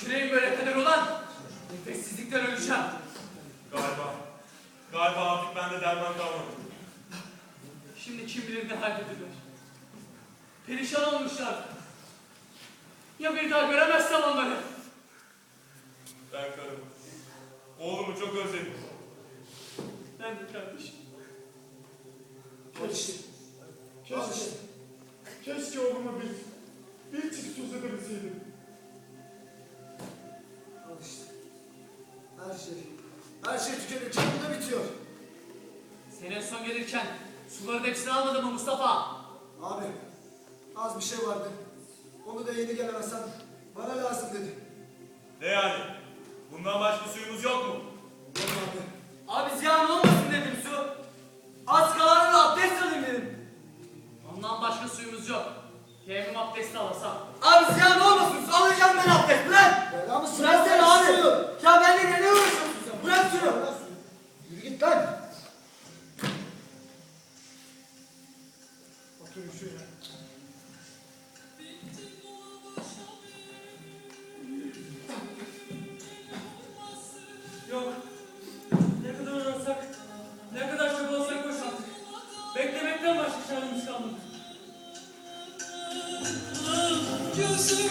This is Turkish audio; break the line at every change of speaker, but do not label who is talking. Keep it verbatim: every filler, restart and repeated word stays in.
Tüküreyim böyle kadar olan nefessizlikten öleceğim.
Galiba. Galiba artık bende derman kalmadı.
Şimdi kim bilir ne haldedirler. Perişan olmuşlar. Ya bir daha göremezsem onları.
Ben karım. Oğlumu çok özledim.
Ben de kardeşim.
Keşke, keşke, keşke oğluma bir, bir çift söz edebilseydim.
Al işte. Her şey, her şey tükenirken burada bitiyor.
Senin son gelirken suların hepsini almadın mı Mustafa?
Abi, az bir şey vardı. Onu da yeni gelen Hasan bana lazım dedi.
Ne yani? Bundan başka suyumuz yok mu?
Yok abi.
Abi ziyan olmasın dedim su. Az kalanını abdest alayım dedim. Ondan başka suyumuz yok. Teyemmüm abdesti alasam.
Abi ziyan olmasın, su alacağım ben abdest, bırak!
Bela mısın?
Bıraksana abi! Ya benimle ne uğraşıyorsun sen? Bırak şunu!
Bırak suyu. Yürü git lan.
Oturun şuraya.